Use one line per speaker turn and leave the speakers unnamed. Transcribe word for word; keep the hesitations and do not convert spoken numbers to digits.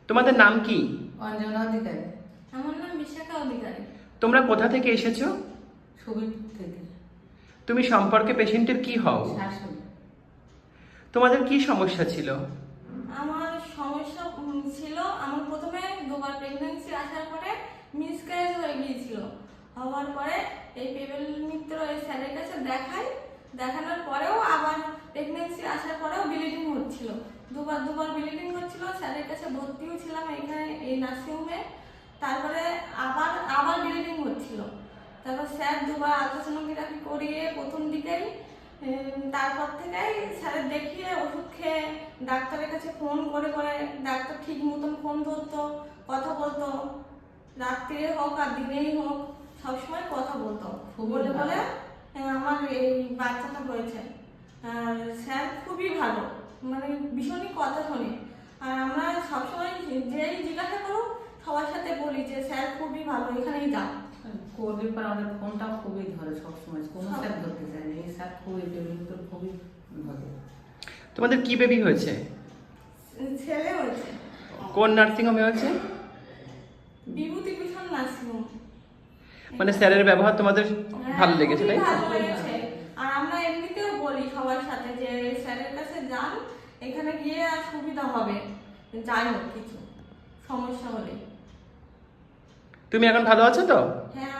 তোমাদের নাম কি?
অঞ্জনা অধিকারী।
আমার নাম বিশাখা অধিকারী।
তোমরা কোথা থেকে এসেছো?
ছবিপুর থেকে।
তুমি সম্পর্কে পেশেন্টের কি হও?
শাশুড়ি।
তোমাদের কি সমস্যা ছিল?
আমার সমস্যা উম, ছিল, আমার প্রথমে দুবার প্রেগন্যান্সি আসার পরে মিসক্যারেজ হয়ে গিয়েছিল। হওয়ার পরে এই পেবেল মিত্র এই স্যারের কাছে দেখাই, দেখানোর পরেও আবার প্রেগন্যান্সি আসার পরেও ব্লিডিং হচ্ছিল। দুবার দুবার ব্লিডিং হচ্ছিল। স্যারের কাছে ভর্তিও ছিলাম এখানে এই নার্সিংহোমে। তারপরে আবার আবার ব্লিডিং হচ্ছিল। তারপর স্যার দুবার আলট্রাসোনোগ্রাফি করিয়ে প্রথম দিকেই উম, তারপর থেকেই স্যারের দেখিয়ে ওষুধ খেয়ে ডাক্তারের কাছে ফোন করে করে ডাক্তার ঠিক মতন ফোন ধরতো, কথা বলতো, রাত্রে হোক আর দিনেই হোক সবসময় কথা বলতো। বলে বলে আহ, আমার এই বাচ্চাটা হয়েছে। আর স্যার খুবই ভালো, মানে ভীষণই কথা শোনে। আর আমরা সবসময় যেই জিজ্ঞাসা করুক সবার সাথে বলি যে স্যার খুবই ভালো, এখানেই যাও।
করলে পর আমাদের ফোনটা খুবই ধরে সবসময়, কোনো স্যার ধরতে চায় না। এই স্যার খুবই পেমেন্ট খুবই ধরে।
তোমাদের কি বেবি হয়েছে?
ছেলে হয়েছে।
কোন নার্সিং হোমে হয়েছে?
বিভূতি ভূষণ নার্সিংহোম।
মানে স্যারের ব্যবহার তোমাদের ভালো লেগেছে, তাই
খুবই
তো?
ভালো লেগেছে। আর আমরা এমনিতেও বলি সবার সাথে যে স্যারের কাছে যান, এখানে গিয়ে আর সুবিধা হবে, যাই হোক কিছু সমস্যা হলে।
তুমি এখন ভালো আছো তো?
হ্যাঁ